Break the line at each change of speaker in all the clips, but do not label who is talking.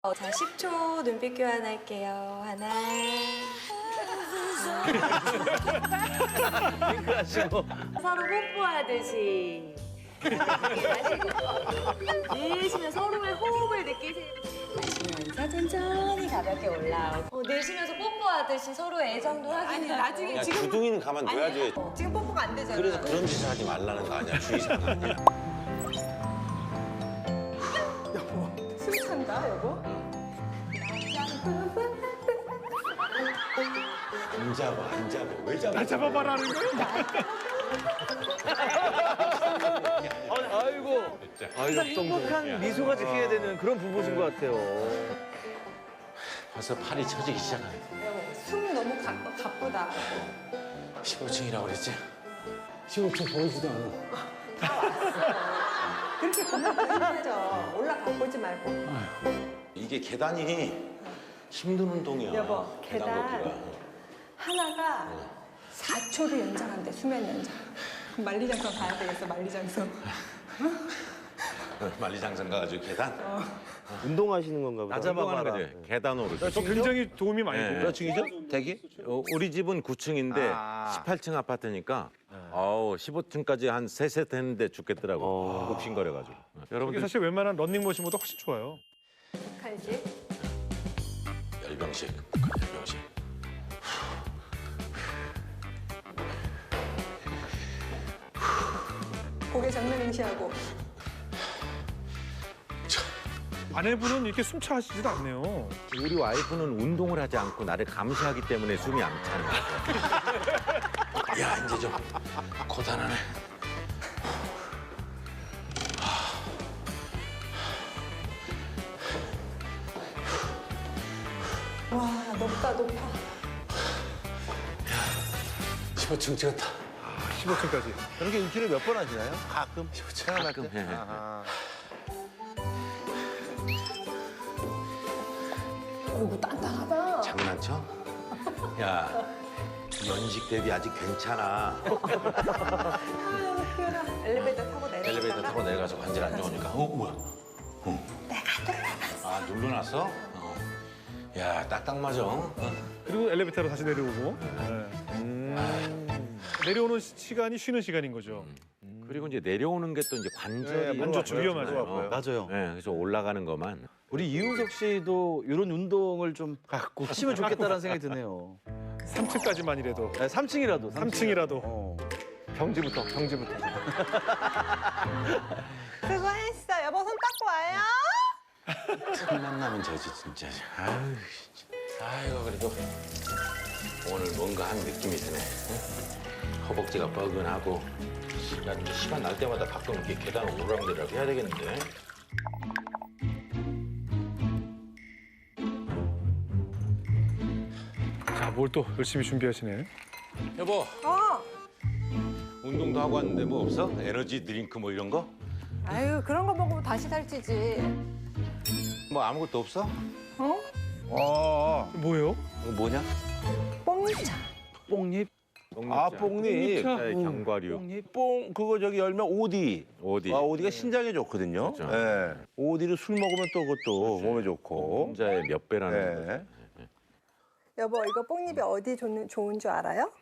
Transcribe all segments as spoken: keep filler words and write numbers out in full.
어, 자, 십 초 눈빛 교환할게요. 하나.
윙크하시고.
서로 뽀뽀하듯이. 내쉬면 서로의 호흡을 느끼세요. 마시면서 천천히 가볍게 올라오고. 어, 내쉬면서 뽀뽀하듯이 서로의 애정도 확인하고.
아니, 나중에
야,
지금
주둥이는 가만둬야지.
어, 지금 뽀뽀가 안 되잖아.
그래서 그런 짓을 하지 말라는 거 아니야. 주의사항 아니야.
숨 찬다, 여보.
안 잡아, 안 잡아. 왜 잡아?
나 잡아봐라는 거야?
아이고. 항상 행복한 미소가 지켜야 되는 그런 부부신 것 같아요.
벌써 팔이 처지기 시작하네.
숨 너무 가, 가쁘다.
십오 층이라고 그랬지? 십오 층 보이지도 않아.
그렇게 보면 더 힘들죠. 올라가 보지 말고.
이게 계단이 힘든 운동이야.
여보,
계단
계단.
걷기가.
하나가 사 초를 연장한대, 수면 연장. 그럼 만리장성 가야 되겠어, 만리장성.
만리장성 가가지고 계단?
운동하시는 건가 보다.
나 잡아봐라. 계단 오르기.
저 굉장히 도움이 많이
네.
돼요.
몇 층이죠? 대기? 어, 우리 집은 구 층인데
아.
십팔 층 아파트니까 어우 십오 층까지 한 세 세트 했는데 죽겠더라고.
어.
복싱거려가지고.
이게
여러분들
사실 웬만한 런닝머신보다 훨씬 좋아요.
간식.
열병식, 북한 열병식.
고개 정면 응시하고.
아내분은 이렇게 숨차 하시지도 않네요.
우리 와이프는 운동을 하지 않고 나를 감시하기 때문에 숨이 안 차는 거야. 야, 이제 좀 고단하네.
와, 높다, 높아.
십오 층 찍었다.
십오 층까지.
이렇게 일주일에 몇 번 하시나요? 가끔. 생각날
가끔
때?
해.
아하.
어이구, 단단하다.
장난쳐? 야, 연식 대비 아직 괜찮아.
엘리베이터 타고 내려.
엘리베이터 타고 내려가서 관절 안 좋으니까. 어, 뭐야? 어. 내가 눌러놨어. 아, 눌러놨어? 어. 야, 딱딱 맞아. 어?
그리고 엘리베이터로 다시 내려오고. 네. 내려오는 시- 시간이 쉬는 시간인 거죠.
그리고 이제 내려오는 게 또 이제 관절이
네, 안 좋죠. 위험하죠.
어.
맞아요.
네, 그래서 올라가는 것만.
우리 이윤석 씨도 이런 운동을 좀 갖고 하시면 좋겠다는 생각이 드네요.
삼 층까지만이라도.
네, 삼 층이라도.
삼 층이라도.
어.
경지부터, 경지부터.
수고했어. 여보, 손 닦고 와요.
첫 만나면 저지 진짜. 아유, 진짜. 아이고 그래도 오늘 뭔가 한 느낌이 드네. 응? 허벅지가 뻐근하고. 야, 이제 시간 날 때마다 가끔 이렇게 계단 오르락내리락 해야 되겠는데.
자, 뭘 또 열심히 준비하시네.
여보,
어.
운동도 하고 왔는데 뭐 없어? 에너지 드링크 뭐 이런 거?
아유, 그런 거 먹으면 다시 살찌지.
뭐 아무것도 없어?
어?
어.
뭐예요?
이거 뭐냐?
뽕차.
뽕잎.
아, 뽕잎.
자, 견과류.
뽕잎.
뽕 그거 저기 열면 오디.
어디?
아, 오디가 신장에 좋거든요.
그렇죠.
예. 오디를 술 먹으면 또 그것도 몸에 좋고.
혼자의 몇 배라는 거지.
네.
여보, 이거 뽕잎이 어디 좋은, 좋은 줄 알아요?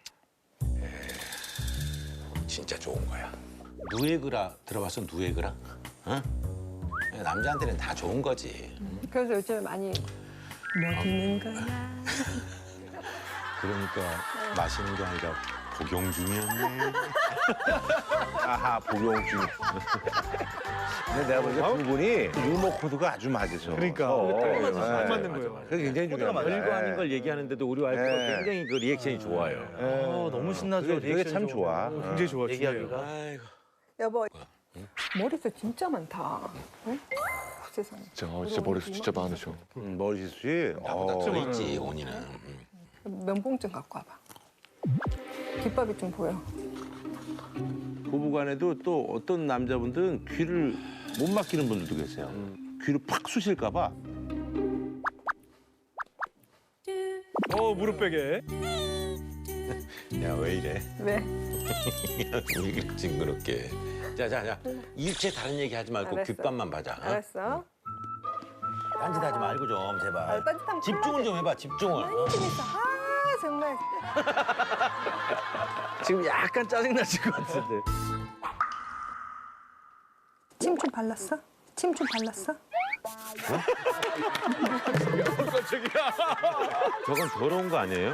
진짜 좋은 거야. 누에그라 들어봤어? 누에그라? 응? 남자한테는 다 좋은 거지.
그래서 요즘 많이 먹이는 거야.
그러니까 마시는 게 아니라 복용 중이었네.
아하, 복용중. 근데 내가 보니까 두 분이 유머 코드가 아주 맞으셔.
그러니까.
어,
딱
예.
맞는 거예요.
그게 굉장히 중요합니다.
별거 아닌 걸 얘기하는데도 우리 와이프가
네.
굉장히 그 리액션이 좋아요.
어, 너무 신나죠.
그게, 그게
리액션이
참
좀.
좋아.
굉장히 좋아,
얘기하기가.
중요해요.
아이고.
여보, 머리숱 진짜 많다. 응? 어, 세상에.
진짜, 진짜 머리숱 진짜 많으셔.
음, 머리숱이.
나보다
어.
더 있지, 온이는. 음.
면봉증 갖고 와봐. 귓밥이 좀 보여.
부부간에도 또 어떤 남자분들은 귀를 못 막히는 분들도 계세요. 귀를 팍 쑤실까 봐.
어, 무릎 베개.
야, 왜 이래?
왜?
왜 이렇게 징그럽게. 자, 자, 자. 일체 다른 얘기 하지 말고
알았어.
귓밥만 봐자. 어?
알았어.
딴짓하지 말고 좀 제발.
아, 딴짓하면
집중을 좀 해봐 집중을. 어?
좀 있어. 아 정말.
지금 약간 짜증나실 것 같은데.
침 좀 발랐어? 침 좀 발랐어?
저건 더러운 거 아니에요?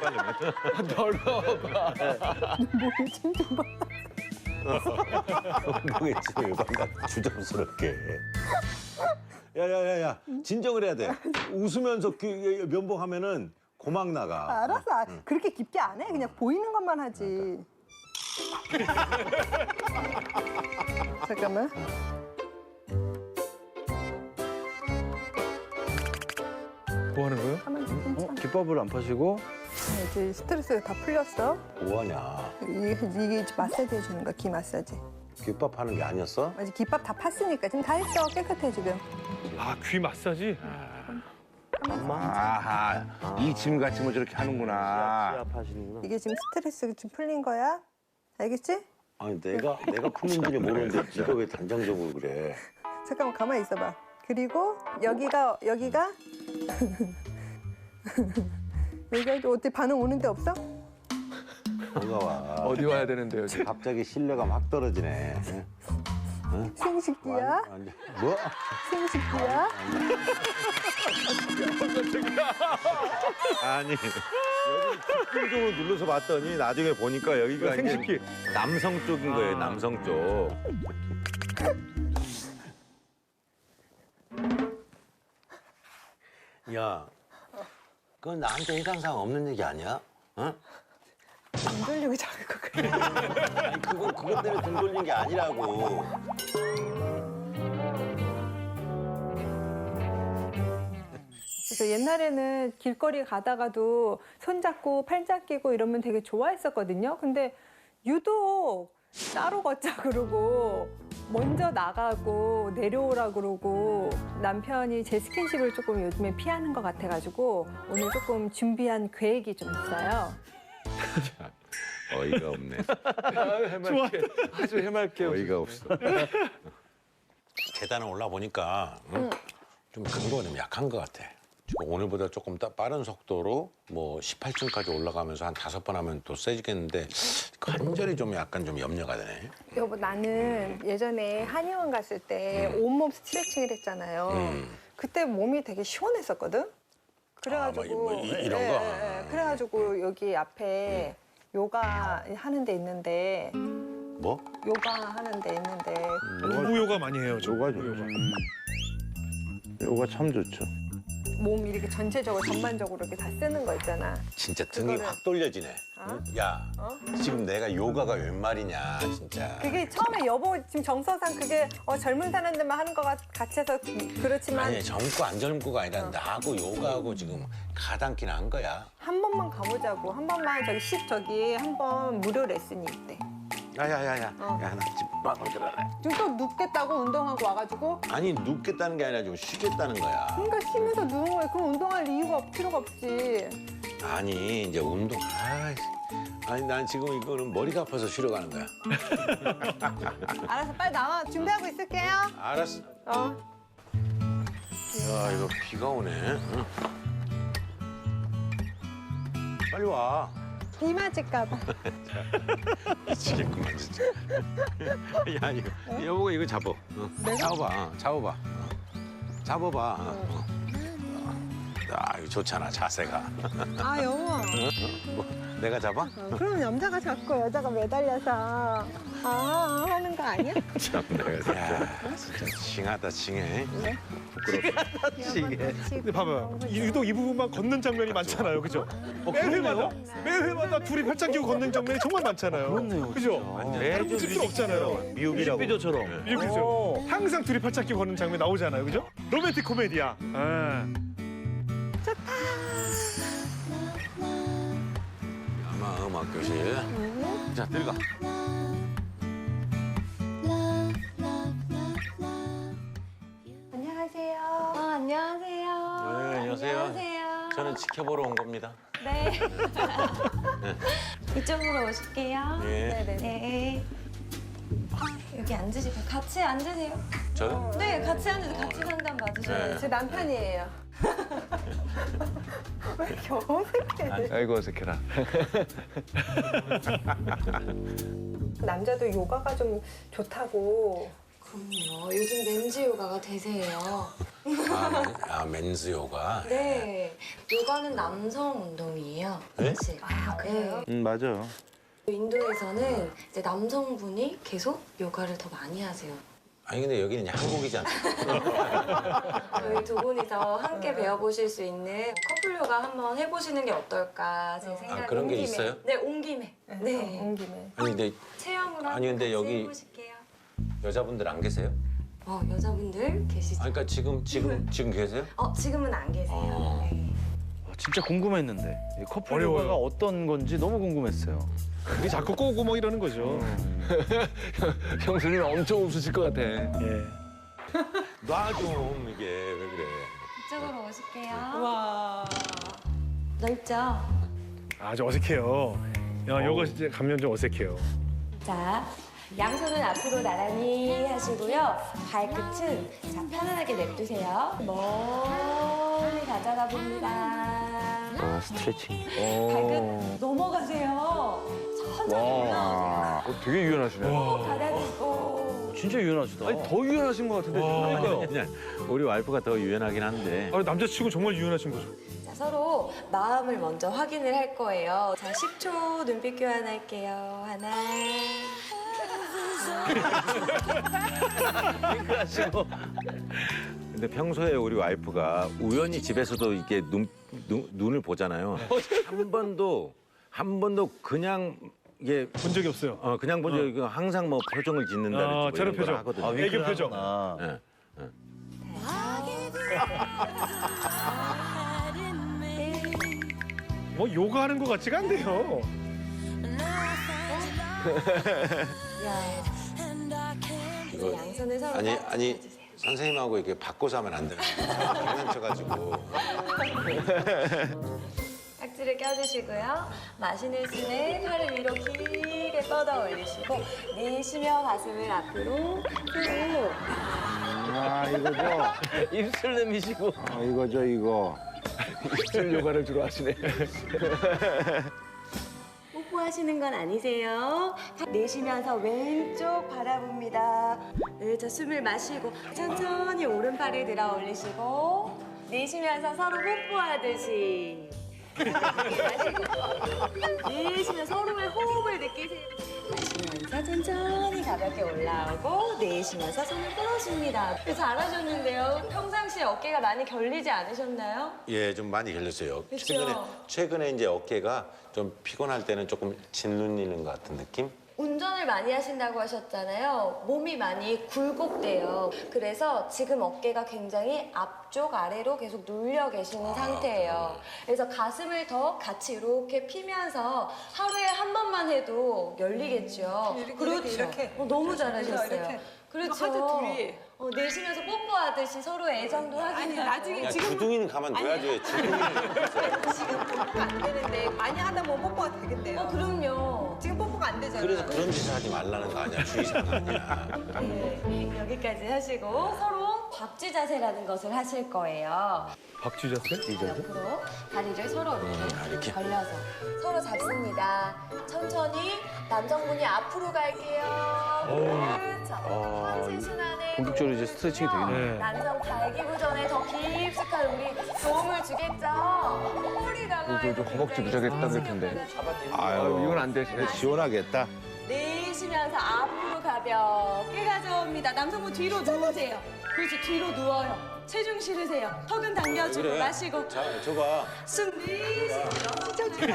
더러워봐.
뭐에 침좀 발랐어?
엉덩이 찜을 발라 주접스럽게. 야야야야 진정을 해야 돼. 웃으면서 그 면봉하면은 고막 나가.
알았어. 아, 그렇게 깊게 안 해. 그냥 보이는 것만 하지. 잠깐만.
뭐 하는 거예요?
가만히 있어. 괜찮아.
기법을 안 파시고
네, 이제 스트레스가 다 풀렸어.
뭐하냐?
이게, 이게 마사지 해주는 거야, 귀 마사지.
귓밥 하는 게 아니었어?
아직 귓밥 다 팠으니까 지금 다 했어. 깨끗해 지금.
아, 귀 마사지?
아하 이 짐 같이 뭐 저렇게 하는구나.
시합하시는구나.
이게 지금 스트레스가 좀 풀린 거야. 알겠지?
아니 내가 내가 푸는지는 모르는데 네가 왜 단정적으로 그래?
잠깐만 가만히 있어봐. 그리고 여기가 여기가 여기가 또 어때 반응 오는데 없어?
뭐가 와?
어디 와야 되는데요, 지금?
갑자기 신뢰감 확 떨어지네. 응?
생식기야?
완전- 뭐?
생식기야?
아니 여기 집중적으로 눌러서 봤더니 나중에 보니까 여기가 이제
생식기.
남성 쪽인 거예요. 남성 쪽.
야, 그건 나한테 해당사항 없는 얘기 아니야? 어?
안 돌리고 자꾸 그래.
아니 그거 그것 때문에 등 돌린 게 아니라고.
그래서 옛날에는 길거리 가다가도 손잡고 팔짱 끼고 이러면 되게 좋아했었거든요. 근데 유독 따로 걷자 그러고 먼저 나가고 내려오라 그러고 남편이 제 스킨십을 조금 요즘에 피하는 것 같아가지고 오늘 조금 준비한 계획이 좀 있어요.
어이가 없네.
아유, 해맑게. 아주 해맑게.
어이가 없어.
계단을 올라 보니까 응? 좀 근거가 좀 약한 것 같아. 지금 오늘보다 조금 따- 빠른 속도로 뭐 십팔 층까지 올라가면서 한 다섯 번 하면 또 세지겠는데 관절이 좀 약간 좀 염려가 되네.
여보 나는 예전에 한의원 갔을 때 온몸 스트레칭을 했잖아요.
음.
그때 몸이 되게 시원했었거든. 그래가지고
아, 뭐 이- 뭐 이- 이런
예,
거?
예, 예. 그래가지고 여기 앞에 요가 하는 데 있는데
뭐?
요가 하는 데 있는데
부부 요가 많이 해요. 저.
요가
부부
좋죠. 요가 참 좋죠.
몸 이렇게 전체적으로 전반적으로 이렇게 다 쓰는 거 있잖아.
진짜 등이
그거를-
확 돌려지네.
어?
응? 야,
어?
지금 내가 요가가 웬 말이냐, 진짜.
그게 처음에 여보 지금 정서상 그게 어, 젊은 사람들만 하는 거 같- 같아서 그렇지만
아니 젊고 안 젊고가 아니라 나하고 요가하고 지금 가당키는 한 거야.
한 번만 가보자고. 한 번만 저기 십 저기 한 번 무료 레슨이 있대.
야야야야,
어.
야 나 집 밖으로 들어가래.
지금 또 눕겠다고 운동하고 와가지고
아니 눕겠다는 게 아니라 좀 쉬겠다는 거야.
그러니까 쉬면서 누운 거야. 그럼 운동할 이유가 없, 필요가 없지.
아니 이제 운동. 아, 아니 난 지금 이거는 머리가 아파서 쉬러 가는 거야.
알았어, 빨리 나와. 준비하고 있을게요.
알았어.
어.
야 이거 비가 오네. 응. 빨리 와.
비 맞을까 봐.
미치겠구만 진짜. 야 이거 여보가 이거 잡어. 어. 잡아봐. 어, 잡아봐. 어. 잡아봐. 어. 어. 아 이거 좋잖아 자세가.
아, 여보.
뭐, 내가 잡아?
어, 그럼 남자가 잡고 여자가 매달려서 아 하는 거 아니야?
참 내가 야 진짜 징하다 징해.
시계.
근데 봐봐요. 이- 유독 이 부분만 걷는 장면이 많잖아요. 그죠? 매 회마다, 매 회마다 둘이 팔짱 끼고 걷는 장면이 정말 많잖아요.
그렇네요,
그죠? 다른 거 필요 없잖아요.
미국이라고.
뮤직비디오처럼.
이렇게 죠 항상 둘이 팔짱 끼고 걷는 장면 나오잖아요. 그죠? 로맨틱 코미디야. 아.
아마 음악 교실. 자 들어가.
안녕하세요.
아, 안녕하세요.
네, 안녕하세요.
안녕하세요.
저는 지켜보러 온 겁니다.
네. 이쪽으로 오실게요.
예.
네네.
네. 여기 앉으시고 같이 앉으세요.
저요?
네, 같이 앉아서 같이 상담 받으셔야죠.
제 남편이에요. 왜 이렇게 어색해?
아이고 어색해라.
남자도 요가가 좀 좋다고.
그럼요. 요즘 렌즈 요가가 대세예요.
아, 맨- 아 맨즈 요가.
네. 요가는 남성 운동이에요.
네?
사실. 아, 그래요?
음 맞아.
인도에서는 이제 남성분이 계속 요가를 더 많이 하세요.
아니 근데 여기는 이제 한국이잖아.
저희 두 분이서 함께 배워보실 수 있는 커플 요가 한번 해보시는 게 어떨까 제 생각에.
아, 그런 게
온 김에.
있어요?
네, 온 김에. 네.
온 김에.
아니 근데
체험으로
아니, 근데
같이
여기-
해보실게요.
여자분들 안 계세요?
어, 여자분들 계시죠?
아 그러니까 지금 지금 지금 계세요?
어, 지금은 안 계세요.
어.
네.
진짜 궁금했는데 이 커플
어려워요.
요가가 어떤 건지 너무 궁금했어요.
그게 자꾸 꼬고 뭐 이러는 거죠.
형수님 엄청 웃으실 것 같아.
예.
놔 좀 이게 왜 그래?
이쪽으로 오실게요.
와.
넓죠?
아주 어색해요. 야, 요거 진짜 가면 좀 어색해요.
자, 양손은 앞으로 나란히 하시고요. 발끝은 자, 편안하게 냅두세요. 멀리 가져가 봅니다.
아 스트레칭.
발끝 넘어가세요. 천천히 올라오세요.
어, 되게 유연하시네.
받아들고.
진짜 유연하시다.
아니 더 유연하신 것 같은데.
그러니까요.
그냥 우리 와이프가 더 유연하긴 한데.
아, 남자치고 정말 유연하신 거죠.
자, 서로 마음을 먼저 확인을 할 거예요. 자, 십 초 눈빛 교환할게요. 하나.
하시고. 근데 평소에 우리 와이프가 우연히 집에서도 이렇게 눈, 눈 눈을 보잖아요. 한 번도 한 번도 그냥 이게
본 적이 없어요.
어 그냥 보죠. 이거 항상 뭐 표정을 짓는다든지
아,
뭐
저런
이런 걸
표정.
하거든요.
아, 애교 표정.
아,
예.
뭐 요가하는 것 같지가 않네요.
야. 이제 양손을 서로
아니
딱
아니
잡아주세요.
선생님하고 이렇게 바꿔서 하면 안 되는 거예요. 장난쳐가지고.
깍지를 껴주시고요. 마시는 숨에 팔을 위로 길게 뻗어 올리시고 내쉬며 가슴을 앞으로 쭉.
아 이거죠.
입술 내미시고.
아 이거죠 이거.
입술 요가를 주로 하시네.
뽀뽀하시는 건 아니세요. 내쉬면서 왼쪽 바라봅니다. 네, 자, 숨을 마시고 천천히 오른팔을 들어 올리시고 내쉬면서 서로 뽀뽀하듯이 마시고 내쉬면 서로의 호흡을 느끼세요. 마시면서 천천히 가볍게 올라오고 내쉬면서 손을 끌어줍니다. 잘하셨는데요. 평상시에 어깨가 많이 결리지 않으셨나요?
예, 좀 많이 결렸어요.
그쵸?
최근에 최근에 이제 어깨가 좀 피곤할 때는 조금 짓눌리는 것 같은 느낌?
운전을 많이 하신다고 하셨잖아요. 몸이 많이 굴곡돼요. 그래서 지금 어깨가 굉장히 앞쪽 아래로 계속 눌려 계시는 상태예요. 그래서 가슴을 더 같이 이렇게 피면서 하루에 한 번만 해도 열리겠죠.
이렇게,
그렇죠.
이렇게.
어, 너무 잘하셨어요.
이렇게.
그렇죠.
하트 둘이.
어, 내쉬면서 뽀뽀하듯이 서로 애정도
아니
확인하고.
나중에
야,
지금
주둥이는 가만 둬야지. 주둥이는.
지금 뽀뽀가 안 되는데 많이 하다 보면 뽀뽀가 되겠대요.
어, 그럼요.
지금 뽀뽀가 안 되잖아요.
그래서 그런 짓을 하지 말라는 거 아니야. 주의사항 아니야.
네, 여기까지 하시고 서로 박쥐 자세라는 것을 하실 거예요.
박쥐 자세?
옆으로 다리를 서로 이렇게,
음, 아, 이렇게?
벌려서 서로 잡습니다. 천천히 남성분이 앞으로 갈게요. 그렇죠. 전신 순환을
본격적으로 이제 스트레칭이 되겠네요.
네.
남성 발기부 전에 더 깊숙한 우리 도움을 주겠죠. 허리 강화에
좀 허벅지 무지하게 당길 텐데.
아유
이건 안 되시네.
시원하겠다.
내쉬면서 앞으로 가볍게 가져옵니다. 남성분 뒤로 누우세요. 그렇죠. 뒤로 누워요. 체중 실으세요. 턱은 당겨주고
그래.
마시고
자, 줘봐.
숨 내쉬면서 찢어지지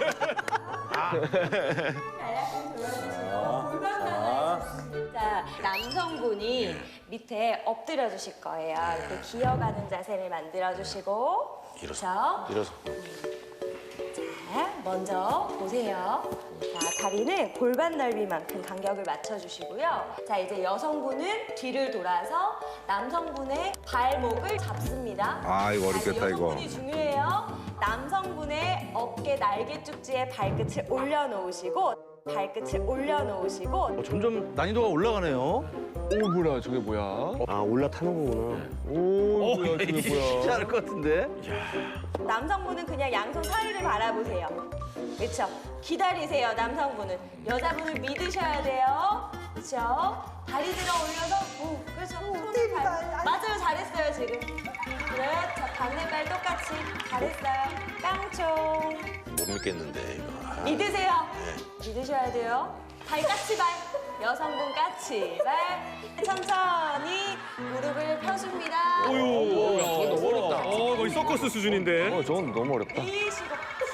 자, 남성분이 밑에 엎드려 주실 거예요. 이렇게 기어가는 자세를 만들어 주시고
일어서.
그렇죠?
일어서.
자, 먼저 보세요. 자, 다리는 골반 넓이만큼 간격을 맞춰주시고요. 자, 이제 여성분은 뒤를 돌아서 남성분의 발목을 잡습니다.
아, 이거 어렵겠다,
자,
이거.
여성분이 중요해요. 남성분의 어깨 날개 쪽지에 발끝을 올려놓으시고 발끝을 올려놓으시고
어, 점점 난이도가 올라가네요.
오 뭐야 저게 뭐야?
아 올라타는 거구나.
오 뭐야 저게
쉽지
뭐야?
않을 것 같은데.
남성분은 그냥 양손 사이를 바라보세요. 그렇죠? 기다리세요, 남성분은. 여자분을 믿으셔야 돼요. 그렇죠? 다리 들어 올려서, 오, 그렇죠. 손을 발, 맞아요, 잘했어요, 지금. 그렇죠. 반대발 똑같이 잘했어요. 깡총.
못 믿겠는데 이거. 아,
믿으세요. 믿으셔야 돼요. 발 까치발. 여성분 까치발. 천천히 무릎을 펴줍니다.
어유.
야, 저거 너무 어렵다.
어, 거의 서커스 수준인데.
어 저건 너무 어렵다.
이시고.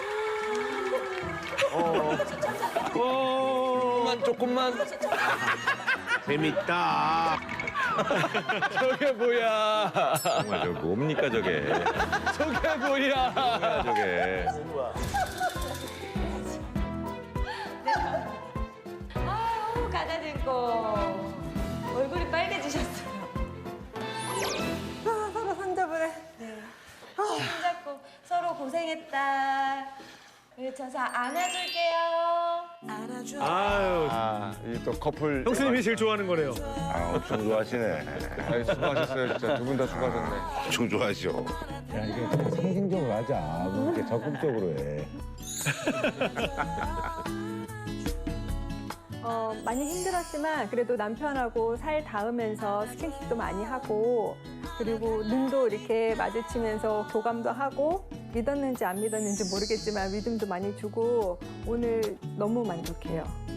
조금만 조금만.
재밌다.
저게 뭐야?
정말 저 뭡니까 저게?
저게 뭐야?
뭐야 저게?
아유, 가다듬고. 얼굴이 빨개지셨어요.
아, 서로 손잡으래.
손잡고 서로 고생했다. 그렇죠. 자, 안아줄게요. 안아줘.
아유,
아 이게 또 커플.
형수님이 제일 좋아하는 거네요.
아 엄청 좋아하시네.
아, 수고하셨어요 진짜 두 분 다 수고하셨네.
엄청 좋아하시오.
야, 이게 좀 상징적으로 하자. 뭐 이렇게 적극적으로 해.
어, 많이 힘들었지만 그래도 남편하고 살 닿으면서 스킨십도 많이 하고 그리고 눈도 이렇게 마주치면서 교감도 하고 믿었는지 안 믿었는지 모르겠지만 믿음도 많이 주고 오늘 너무 만족해요.